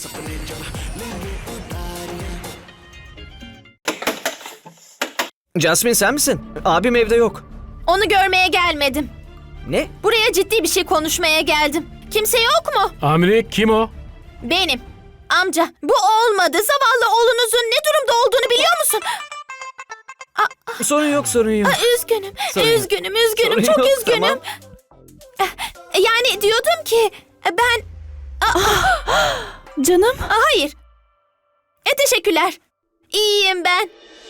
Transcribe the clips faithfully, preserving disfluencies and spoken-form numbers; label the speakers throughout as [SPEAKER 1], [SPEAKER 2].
[SPEAKER 1] Jasmine sen misin? Abim evde yok.
[SPEAKER 2] Onu görmeye gelmedim.
[SPEAKER 1] Ne?
[SPEAKER 2] Buraya ciddi bir şey konuşmaya geldim. Kimse yok mu?
[SPEAKER 3] Amri kim o?
[SPEAKER 2] Benim. Amca, bu olmadı. Zavallı oğlunuzun ne durumda olduğunu biliyor musun?
[SPEAKER 1] Sorun yok, sorun yok.
[SPEAKER 2] Aa, üzgünüm,
[SPEAKER 1] Sorun yok.
[SPEAKER 2] üzgünüm, üzgünüm,
[SPEAKER 1] Sorun
[SPEAKER 2] çok
[SPEAKER 1] yok,
[SPEAKER 2] üzgünüm.
[SPEAKER 1] tamam.
[SPEAKER 2] Yani diyordum ki ben...
[SPEAKER 4] Canım.
[SPEAKER 2] Aa, hayır. E, teşekkürler. İyiyim ben.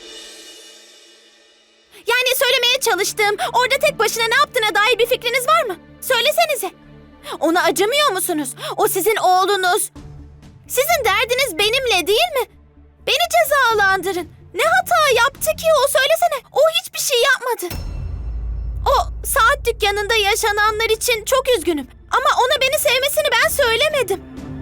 [SPEAKER 2] Yani söylemeye çalıştığım, orada tek başına ne yaptığına dair bir fikriniz var mı? Söylesenize. Ona acımıyor musunuz? O sizin oğlunuz. Sizin derdiniz benimle değil mi? Beni cezalandırın. Ne hata yaptı ki o? Söylesene. O hiçbir şey yapmadı. O saat dükkanında yaşananlar için çok üzgünüm. Ama ona beni sevmesini ben söylemedim.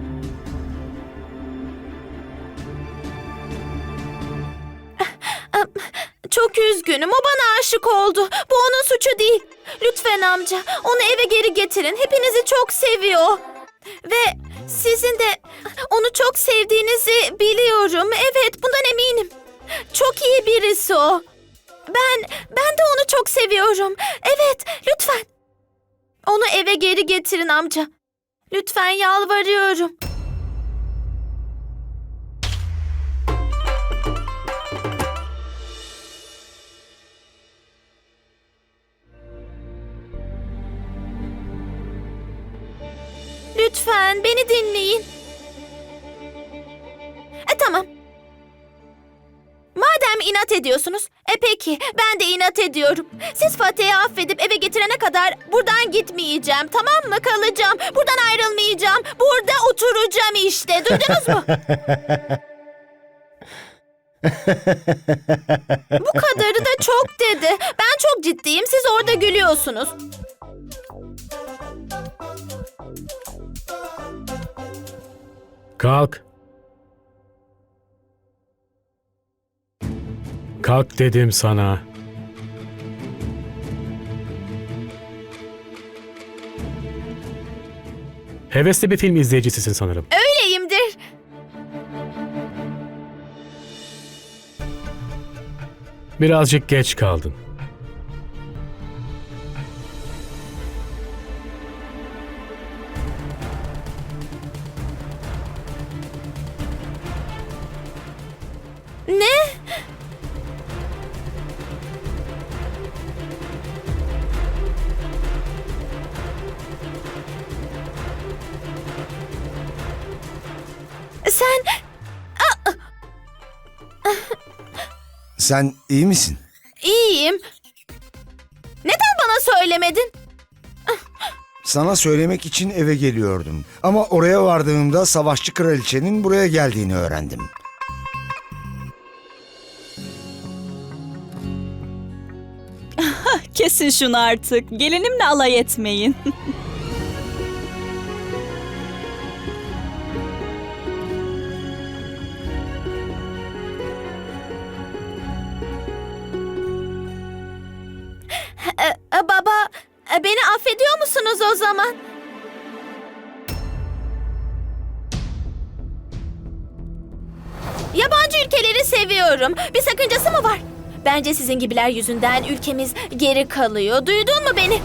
[SPEAKER 2] Çok üzgünüm. O bana aşık oldu. Bu onun suçu değil. Lütfen amca, onu eve geri getirin. Hepinizi çok seviyor. Ve sizin de onu çok sevdiğinizi biliyorum. Evet, bundan eminim. Çok iyi birisi o. Ben, ben de onu çok seviyorum. Evet, lütfen. Onu eve geri getirin amca. Lütfen, yalvarıyorum. Lütfen beni dinleyin. E tamam. Madem inat ediyorsunuz, e peki ben de inat ediyorum. Siz Fatih'i affedip eve getirene kadar buradan gitmeyeceğim, tamam mı? Kalacağım, buradan ayrılmayacağım, burada oturacağım işte. Duydunuz mu? Bu kadarı da çok dedi. Ben çok ciddiyim, siz orada gülüyorsunuz.
[SPEAKER 3] Kalk. Kalk dedim sana. Hevesli bir film izleyicisisin sanırım.
[SPEAKER 2] Öyleyimdir.
[SPEAKER 3] Birazcık geç kaldın.
[SPEAKER 2] Ne? Sen...
[SPEAKER 5] Sen iyi misin?
[SPEAKER 2] İyiyim. Neden bana söylemedin?
[SPEAKER 5] Sana söylemek için eve geliyordum. Ama oraya vardığımda savaşçı kraliçenin buraya geldiğini öğrendim.
[SPEAKER 4] Kesin şunu artık. Gelinimle alay etmeyin.
[SPEAKER 2] E, e, baba, e, beni affediyor musunuz o zaman? Yabancı ülkeleri seviyorum. Bir sakıncası mı var? Bence sizin gibiler yüzünden ülkemiz geri kalıyor. Duydun mu beni?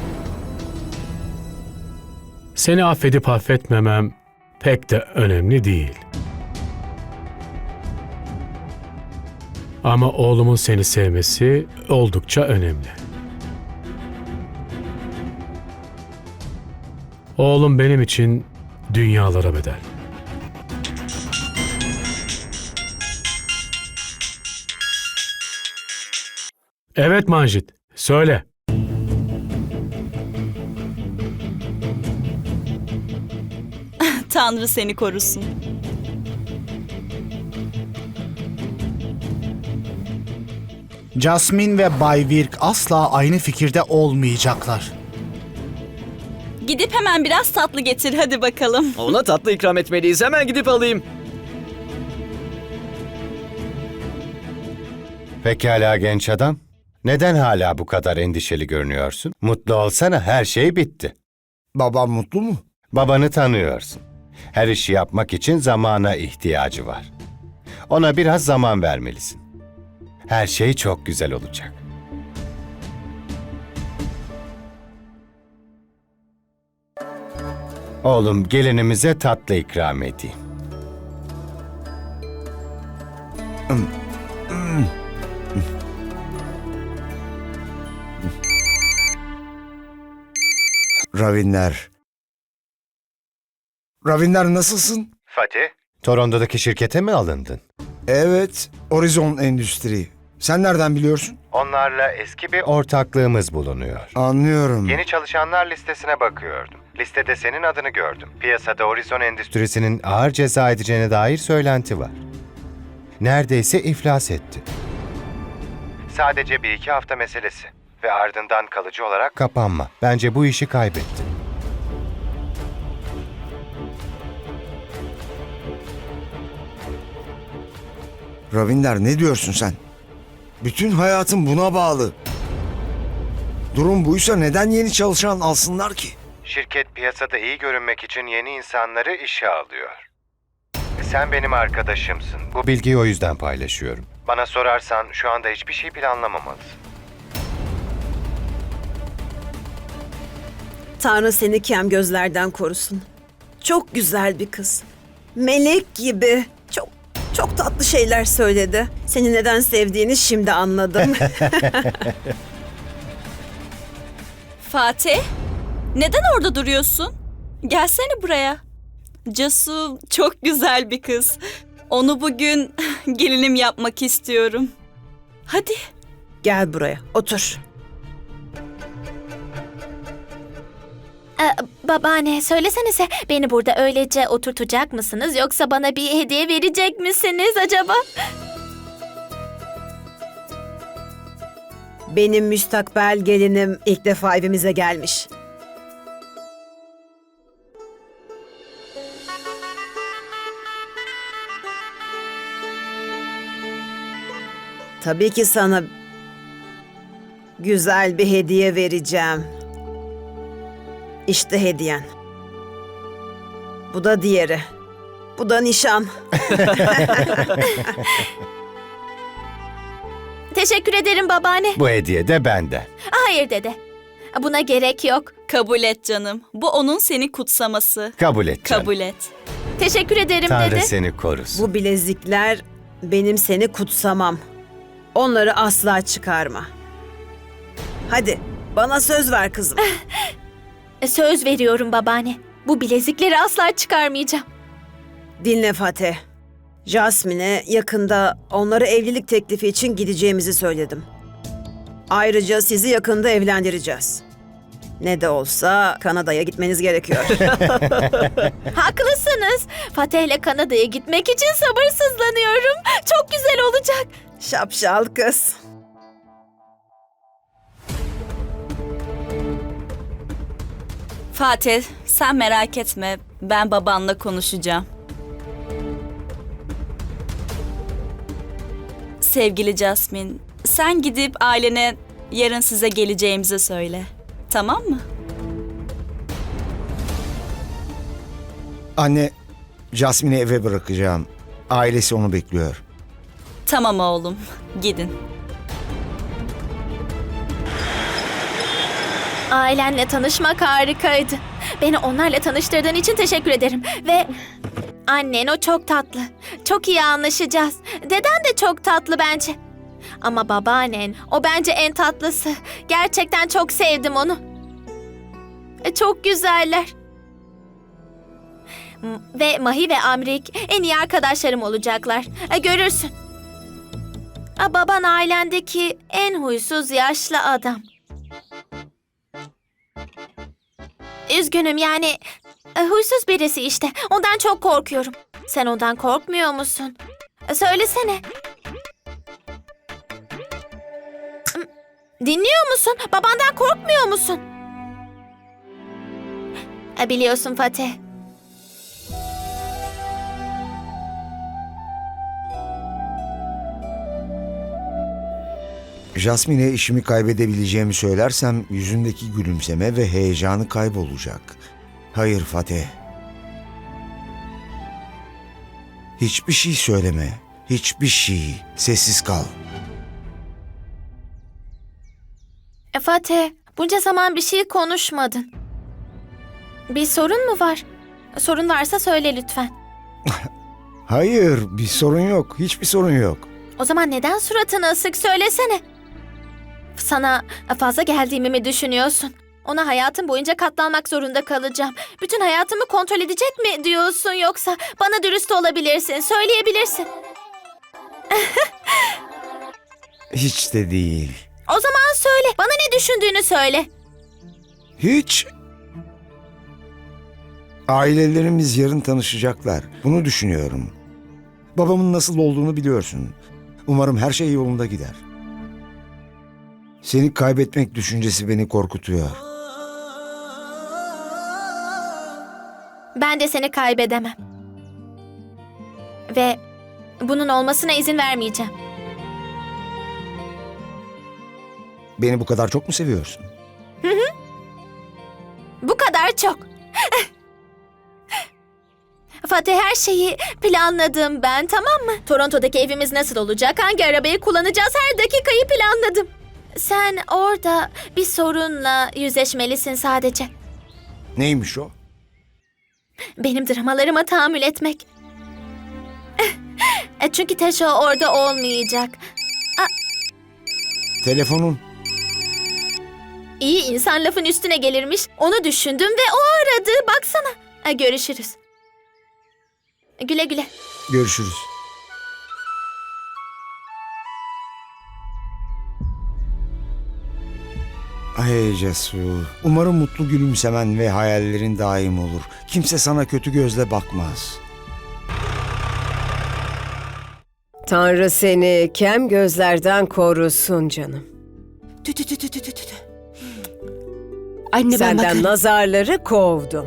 [SPEAKER 3] Seni affedip affetmemem pek de önemli değil. Ama oğlumun seni sevmesi oldukça önemli. Oğlum benim için dünyalara bedel. Evet Manjit, söyle.
[SPEAKER 4] Tanrı seni korusun.
[SPEAKER 6] Jasmine ve Bay Virk asla aynı fikirde olmayacaklar.
[SPEAKER 4] Gidip hemen biraz tatlı getir hadi bakalım.
[SPEAKER 1] Ona tatlı ikram etmeliyiz. Hemen gidip alayım.
[SPEAKER 7] Pekala genç adam. Neden hala bu kadar endişeli görünüyorsun? Mutlu olsana, her şey bitti.
[SPEAKER 5] Babam mutlu mu?
[SPEAKER 7] Babanı tanıyorsun. Her işi yapmak için zamana ihtiyacı var. Ona biraz zaman vermelisin. Her şey çok güzel olacak. Oğlum, gelinimize tatlı ikram edeyim.
[SPEAKER 5] Ravinder. Ravinder nasılsın?
[SPEAKER 7] Fatih? Toronto'daki şirkete mi alındın?
[SPEAKER 5] Evet, Horizon Endüstri. Sen nereden biliyorsun?
[SPEAKER 7] Onlarla eski bir ortaklığımız bulunuyor.
[SPEAKER 5] Anlıyorum.
[SPEAKER 7] Yeni çalışanlar listesine bakıyordum. Listede senin adını gördüm. Piyasada Horizon Endüstrisi'nin ağır ceza edeceğine dair söylenti var. Neredeyse iflas etti. Sadece bir iki hafta meselesi ve ardından kalıcı olarak kapanma. Bence bu işi kaybetti.
[SPEAKER 5] Ravinder ne diyorsun sen? Bütün hayatım buna bağlı. Durum buysa neden yeni çalışan alsınlar ki?
[SPEAKER 7] Şirket piyasada iyi görünmek için yeni insanları işe alıyor. Sen benim arkadaşımsın. Bu bilgiyi o yüzden paylaşıyorum. Bana sorarsan şu anda hiçbir şey planlamamalısın.
[SPEAKER 8] Tanrı seni kem gözlerden korusun. Çok güzel bir kız. Melek gibi. Çok çok tatlı şeyler söyledi. Seni neden sevdiğini şimdi anladım.
[SPEAKER 4] Fatih, neden orada duruyorsun? Gelsene buraya. Casu çok güzel bir kız. Onu bugün gelinim yapmak istiyorum. Hadi.
[SPEAKER 8] Gel buraya, otur.
[SPEAKER 2] Ee, babaanne söylesenize beni burada öylece oturtacak mısınız yoksa bana bir hediye verecek misiniz acaba?
[SPEAKER 8] Benim müstakbel gelinim ilk defa evimize gelmiş. Tabii ki sana güzel bir hediye vereceğim. İşte hediyen. Bu da diğeri. Bu da nişan.
[SPEAKER 2] Teşekkür ederim babaanne.
[SPEAKER 7] Bu hediye de benden.
[SPEAKER 2] Hayır dede. Buna gerek yok.
[SPEAKER 4] Kabul et canım. Bu onun seni kutsaması.
[SPEAKER 7] Kabul et canım.
[SPEAKER 4] Kabul et.
[SPEAKER 2] Teşekkür ederim
[SPEAKER 7] Tanrı
[SPEAKER 2] dede.
[SPEAKER 7] seni korusun.
[SPEAKER 8] Bu bilezikler benim seni kutsamam. Onları asla çıkarma. Hadi bana söz ver kızım.
[SPEAKER 2] Söz veriyorum babaanne. Bu bilezikleri asla çıkarmayacağım.
[SPEAKER 8] Dinle Fatih. Jasmine'e yakında onlara evlilik teklifi için gideceğimizi söyledim. Ayrıca sizi yakında evlendireceğiz. Ne de olsa Kanada'ya gitmeniz gerekiyor.
[SPEAKER 2] Haklısınız. Fatih ile Kanada'ya gitmek için sabırsızlanıyorum. Çok güzel olacak.
[SPEAKER 8] Şapşal kız.
[SPEAKER 4] Fatih, sen merak etme. Ben babanla konuşacağım. Sevgili Jasmine, sen gidip ailene yarın size geleceğimizi söyle. Tamam mı?
[SPEAKER 5] Anne, Jasmine'i eve bırakacağım. Ailesi onu bekliyor.
[SPEAKER 4] Tamam oğlum, gidin.
[SPEAKER 2] Ailenle tanışmak harikaydı. Beni onlarla tanıştırdığın için teşekkür ederim. Ve annen o çok tatlı. Çok iyi anlaşacağız. Deden de çok tatlı bence. Ama babaannen o bence en tatlısı. Gerçekten çok sevdim onu. E, Çok güzeller. M- Ve Mahi ve Amrik en iyi arkadaşlarım olacaklar. E, Görürsün. A, baban ailendeki en huysuz yaşlı adam. Üzgünüm yani e, huysuz birisi işte. Ondan çok korkuyorum. Sen ondan korkmuyor musun? E, Söylesene. Dinliyor musun? Babandan korkmuyor musun? E, Biliyorsun Fatih.
[SPEAKER 5] Jasmine'e işimi kaybedebileceğimi söylersem yüzündeki gülümseme ve heyecanı kaybolacak. Hayır Fatih. Hiçbir şey söyleme. Hiçbir şey. Sessiz kal.
[SPEAKER 2] E, Fatih, bunca zaman bir şey konuşmadın. Bir sorun mu var? Sorun varsa söyle lütfen.
[SPEAKER 5] Hayır, bir sorun yok. Hiçbir sorun yok.
[SPEAKER 2] O zaman neden suratını asık söylesene. Sana fazla geldiğimi mi düşünüyorsun? Ona hayatım boyunca katlanmak zorunda kalacağım. Bütün hayatımı kontrol edecek mi diyorsun yoksa bana dürüst olabilirsin, söyleyebilirsin.
[SPEAKER 5] Hiç de değil.
[SPEAKER 2] O zaman söyle, bana ne düşündüğünü söyle.
[SPEAKER 5] Hiç. Ailelerimiz yarın tanışacaklar. Bunu düşünüyorum. Babamın nasıl olduğunu biliyorsun. Umarım her şey yolunda gider. Seni kaybetmek düşüncesi beni korkutuyor.
[SPEAKER 2] Ben de seni kaybedemem. Ve bunun olmasına izin vermeyeceğim.
[SPEAKER 5] Beni bu kadar çok mu seviyorsun?
[SPEAKER 2] Bu kadar çok. Fatih, her şeyi planladım ben, tamam mı? Toronto'daki evimiz nasıl olacak, hangi arabayı kullanacağız, her dakikayı planladım. Sen orada bir sorunla yüzleşmelisin sadece.
[SPEAKER 5] Neymiş o?
[SPEAKER 2] Benim dramalarıma tahammül etmek. E, Çünkü Teşo orada olmayacak.
[SPEAKER 5] Telefonun.
[SPEAKER 2] İyi insan lafın üstüne gelirmiş. Onu düşündüm ve o aradı. Baksana. E, Görüşürüz. Güle güle.
[SPEAKER 5] Görüşürüz. Ay Cesu. Umarım mutlu gülümsemen ve hayallerin daim olur. Kimse sana kötü gözle bakmaz.
[SPEAKER 9] Tanrı seni kem gözlerden korusun canım.
[SPEAKER 10] Tü tü tü tü tü tü tü. Anne ben
[SPEAKER 9] Senden
[SPEAKER 10] bakarım.
[SPEAKER 9] nazarları kovdum.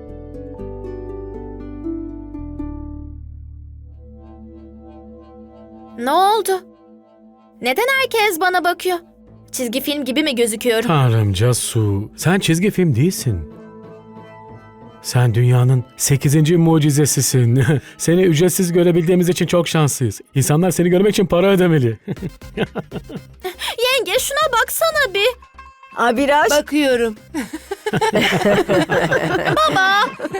[SPEAKER 2] Ne oldu? Neden herkes bana bakıyor? Çizgi film gibi mi gözüküyorum?
[SPEAKER 3] Tanrım Casu, sen çizgi film değilsin. Sen dünyanın sekizinci mucizesisin. Seni ücretsiz görebildiğimiz için çok şanslıyız. İnsanlar seni görmek için para ödemeli.
[SPEAKER 2] Yenge şuna baksana bir.
[SPEAKER 9] Abiraş,
[SPEAKER 10] Bakıyorum.
[SPEAKER 2] Baba.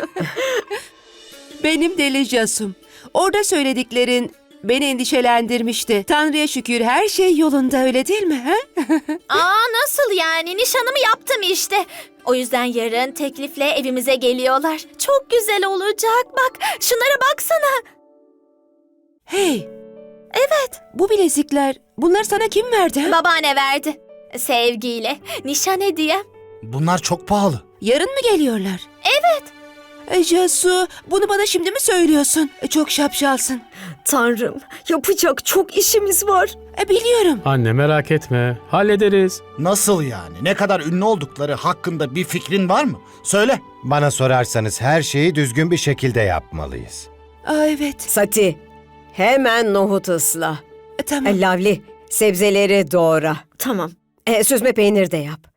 [SPEAKER 10] Benim deli Casum. Orada söylediklerin beni endişelendirmişti. Tanrı'ya şükür her şey yolunda, öyle değil mi? He?
[SPEAKER 2] Aa, nasıl yani? Nişanımı yaptım işte. O yüzden yarın teklifle evimize geliyorlar. Çok güzel olacak. Bak şunlara baksana.
[SPEAKER 10] Hey,
[SPEAKER 2] Evet.
[SPEAKER 10] bu bilezikler, bunlar sana kim verdi? he?
[SPEAKER 2] Babaanne verdi. Sevgiyle. Nişan hediyem.
[SPEAKER 6] Bunlar çok pahalı.
[SPEAKER 10] Yarın mı geliyorlar? Evet. E, Casu, bunu bana şimdi mi söylüyorsun? E, çok şapşalsın.
[SPEAKER 9] Tanrım, yapacak çok işimiz var.
[SPEAKER 10] E, biliyorum.
[SPEAKER 3] Anne merak etme, hallederiz.
[SPEAKER 6] Nasıl yani? Ne kadar ünlü oldukları hakkında bir fikrin var mı? Söyle.
[SPEAKER 7] Bana sorarsanız her şeyi düzgün bir şekilde yapmalıyız.
[SPEAKER 10] Aa, evet.
[SPEAKER 9] Sati, hemen nohut ısla.
[SPEAKER 10] E, tamam.
[SPEAKER 9] E, Lavli, sebzeleri doğra. Tamam. E, süzme peynir de yap.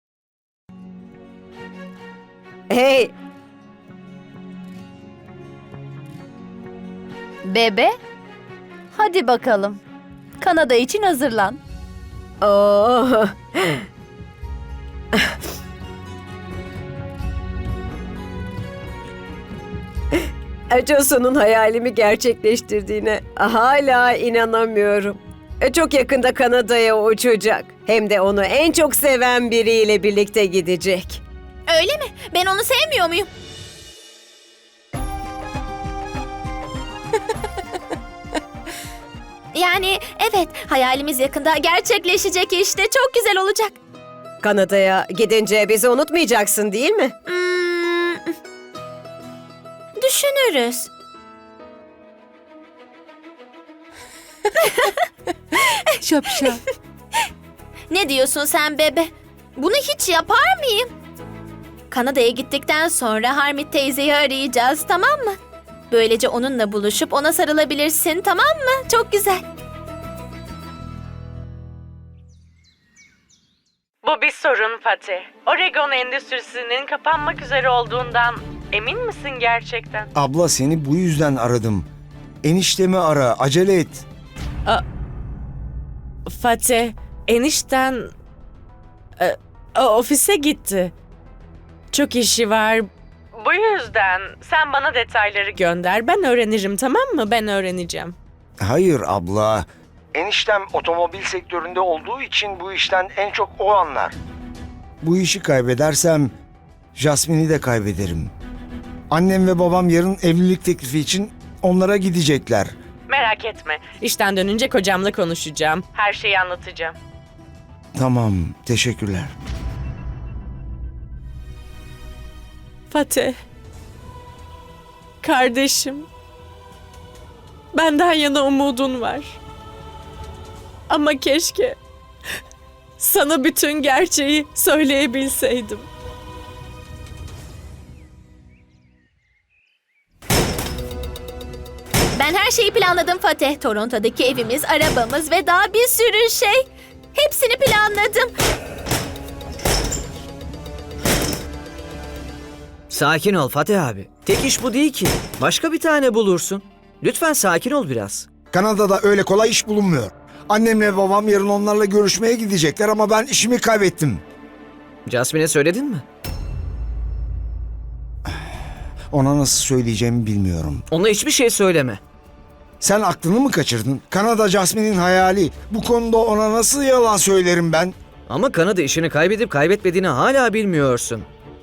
[SPEAKER 9] Hey,
[SPEAKER 11] Bebe, hadi bakalım. Kanada için hazırlan.
[SPEAKER 9] oh. Casu'nun hayalimi gerçekleştirdiğine hala inanamıyorum. E, Çok yakında Kanada'ya uçacak. Hem de onu en çok seven biriyle birlikte gidecek.
[SPEAKER 2] Öyle mi? Ben onu sevmiyor muyum? Yani evet, hayalimiz yakında gerçekleşecek işte. Çok güzel olacak.
[SPEAKER 9] Kanada'ya gidince bizi unutmayacaksın değil mi?
[SPEAKER 2] Hmm, düşünürüz.
[SPEAKER 10] Şapşal.
[SPEAKER 2] Ne diyorsun sen bebe? Bunu hiç yapar mıyım? Kanada'ya gittikten sonra Harmit teyzeyi arayacağız, tamam mı? Böylece onunla buluşup ona sarılabilirsin, tamam mı? Çok güzel.
[SPEAKER 12] Bu bir sorun Fatih. Oregon endüstrisinin kapanmak üzere olduğundan emin misin gerçekten?
[SPEAKER 5] Abla seni bu yüzden aradım. Eniştemi ara, acele et.
[SPEAKER 12] Fatih, enişten e, o- ofise gitti. Çok işi var. Bu yüzden sen bana detayları gönder. Ben öğrenirim, tamam mı? Ben öğreneceğim.
[SPEAKER 5] Hayır abla. Eniştem otomobil sektöründe olduğu için bu işten en çok o anlar. Bu işi kaybedersem Jasmine'i de kaybederim. Annem ve babam yarın evlilik teklifi için onlara gidecekler.
[SPEAKER 12] Merak etme. İşten dönünce kocamla konuşacağım. Her şeyi anlatacağım.
[SPEAKER 5] Tamam, teşekkürler.
[SPEAKER 12] Fatih. Kardeşim. Benden yana umudun var. Ama keşke sana bütün gerçeği söyleyebilseydim.
[SPEAKER 2] Ben her şeyi planladım Fatih. Toronto'daki evimiz, arabamız ve daha bir sürü şey. Hepsini planladım.
[SPEAKER 1] Sakin ol Fatih abi. Tek iş bu değil ki. Başka bir tane bulursun. Lütfen sakin ol biraz.
[SPEAKER 5] Kanada'da öyle kolay iş bulunmuyor. Annemle babam yarın onlarla görüşmeye gidecekler ama ben işimi kaybettim.
[SPEAKER 1] Jasmine'e söyledin mi?
[SPEAKER 5] Ona nasıl söyleyeceğimi bilmiyorum.
[SPEAKER 1] Ona hiçbir şey söyleme.
[SPEAKER 5] Sen aklını mı kaçırdın? Kanada Jasmine'in hayali. Bu konuda ona nasıl yalan söylerim ben?
[SPEAKER 1] Ama Kanada işini kaybedip kaybetmediğini hala bilmiyorsun.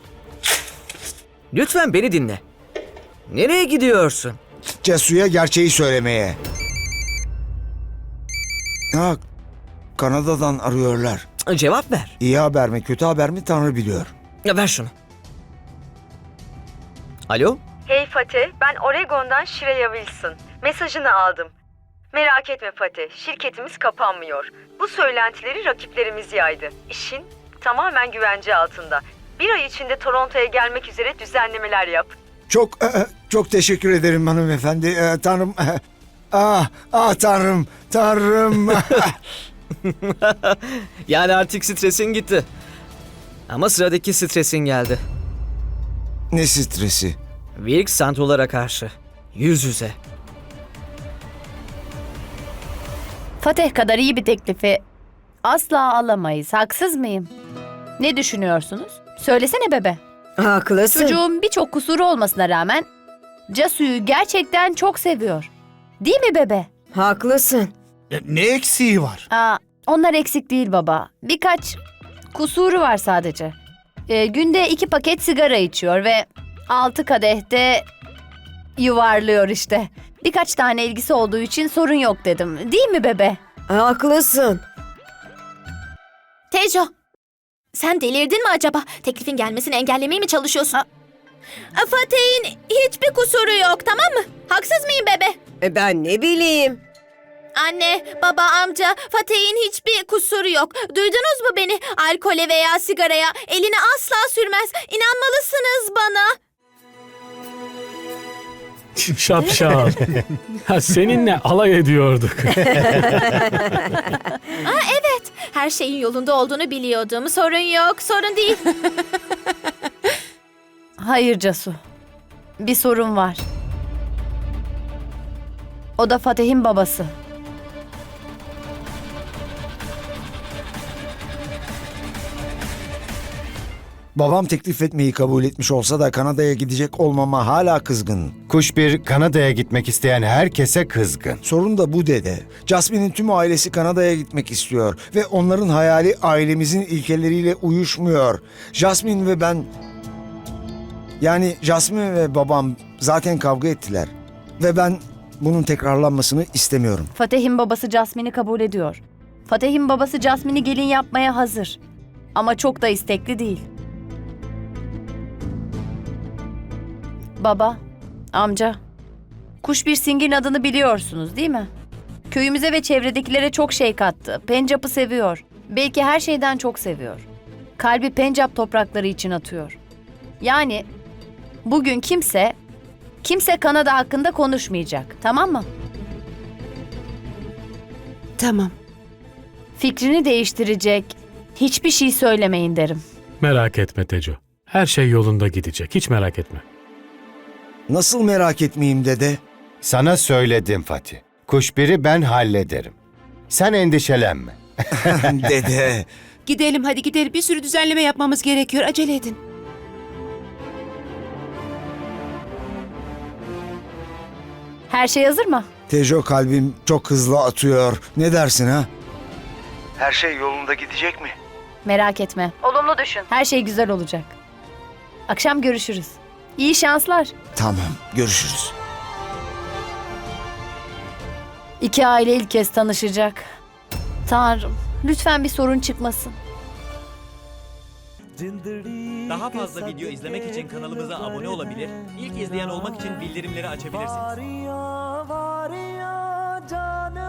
[SPEAKER 1] Lütfen beni dinle. Nereye gidiyorsun?
[SPEAKER 5] Cesu'ya gerçeği söylemeye. Ha, Kanada'dan arıyorlar.
[SPEAKER 1] Cevap ver.
[SPEAKER 5] İyi haber mi kötü haber mi Tanrı biliyor.
[SPEAKER 1] Ya ver şunu. Alo?
[SPEAKER 13] Hey Fatih, ben Oregon'dan Shreya Wilson. Mesajını aldım. Merak etme Fatih, şirketimiz kapanmıyor. Bu söylentileri rakiplerimiz yaydı. İşin tamamen güvence altında. Bir ay içinde Toronto'ya gelmek üzere düzenlemeler yap.
[SPEAKER 5] Çok e, çok teşekkür ederim hanımefendi. E, tanrım. E, ah, ah tanrım. Tanrım.
[SPEAKER 1] Yani artık stresin gitti. Ama sıradaki stresin geldi.
[SPEAKER 5] Ne stresi?
[SPEAKER 1] Wilk Santolara karşı. Yüz yüze.
[SPEAKER 11] Fatih kadar iyi bir teklifi asla alamayız. Haksız mıyım? Ne düşünüyorsunuz? Söylesene bebe.
[SPEAKER 8] Haklısın.
[SPEAKER 11] Çocuğun birçok kusuru olmasına rağmen Casu'yu gerçekten çok seviyor. Değil mi bebe?
[SPEAKER 8] Haklısın.
[SPEAKER 6] E, Ne eksiği var?
[SPEAKER 11] Aa, onlar eksik değil baba. Birkaç kusuru var sadece. Ee, günde iki paket sigara içiyor ve altı kadehte yuvarlıyor işte. Birkaç tane ilgisi olduğu için sorun yok dedim. Değil mi bebe?
[SPEAKER 8] Haklısın.
[SPEAKER 2] Tejo, sen delirdin mi acaba? Teklifin gelmesini engellemeye mi çalışıyorsun? Aa, Fatih'in hiçbir kusuru yok, tamam mı? Haksız mıyım bebe?
[SPEAKER 8] E ben ne bileyim.
[SPEAKER 2] Anne, baba, amca, Fatih'in hiçbir kusuru yok. Duydunuz mu beni? Alkole veya sigaraya elini asla sürmez. İnanmalısınız bana.
[SPEAKER 3] Şapşal. Ha, seninle alay ediyorduk.
[SPEAKER 2] Aa, evet, her şeyin yolunda olduğunu biliyordum. Sorun yok, sorun değil.
[SPEAKER 11] Hayır Casu. Bir sorun var. O da Fatih'in babası.
[SPEAKER 5] Babam teklif etmeyi kabul etmiş olsa da Kanada'ya gidecek olmama hala kızgın.
[SPEAKER 7] Kuş bir Kanada'ya gitmek isteyen herkese kızgın.
[SPEAKER 5] Sorun da bu dede. Jasmine'in tüm ailesi Kanada'ya gitmek istiyor ve onların hayali ailemizin ilkeleriyle uyuşmuyor. Jasmine ve ben... Yani Jasmine ve babam zaten kavga ettiler. Ve ben bunun tekrarlanmasını istemiyorum.
[SPEAKER 11] Fatih'in babası Jasmine'i kabul ediyor. Fatih'in babası Jasmine'i gelin yapmaya hazır. Ama çok da istekli değil. Baba, amca, Kuş bir Singh'in adını biliyorsunuz değil mi? Köyümüze ve çevredekilere çok şey kattı. Pencap'ı seviyor. Belki her şeyden çok seviyor. Kalbi Pencap toprakları için atıyor. Yani bugün kimse, kimse Kanada hakkında konuşmayacak, tamam mı?
[SPEAKER 10] Tamam.
[SPEAKER 11] Fikrini değiştirecek hiçbir şey söylemeyin derim.
[SPEAKER 3] Merak etme Teco. Her şey yolunda gidecek. Hiç merak etme.
[SPEAKER 5] Nasıl merak etmeyeyim dede?
[SPEAKER 7] Sana söyledim Fatih. Kuşbiri ben hallederim. Sen endişelenme.
[SPEAKER 5] Dede.
[SPEAKER 10] Gidelim hadi gidelim. Bir sürü düzenleme yapmamız gerekiyor. Acele edin.
[SPEAKER 11] Her şey hazır mı?
[SPEAKER 5] Tejo, kalbim çok hızlı atıyor. Ne dersin ha? Her şey yolunda gidecek mi?
[SPEAKER 11] Merak etme. Olumlu düşün. Her şey güzel olacak. Akşam görüşürüz. İyi şanslar.
[SPEAKER 5] Tamam, görüşürüz.
[SPEAKER 11] İki aile ilk kez tanışacak. Tanrım, lütfen bir sorun çıkmasın.
[SPEAKER 14] Daha fazla video izlemek için kanalımıza abone olabilir, ilk izleyen olmak için bildirimleri açabilirsiniz.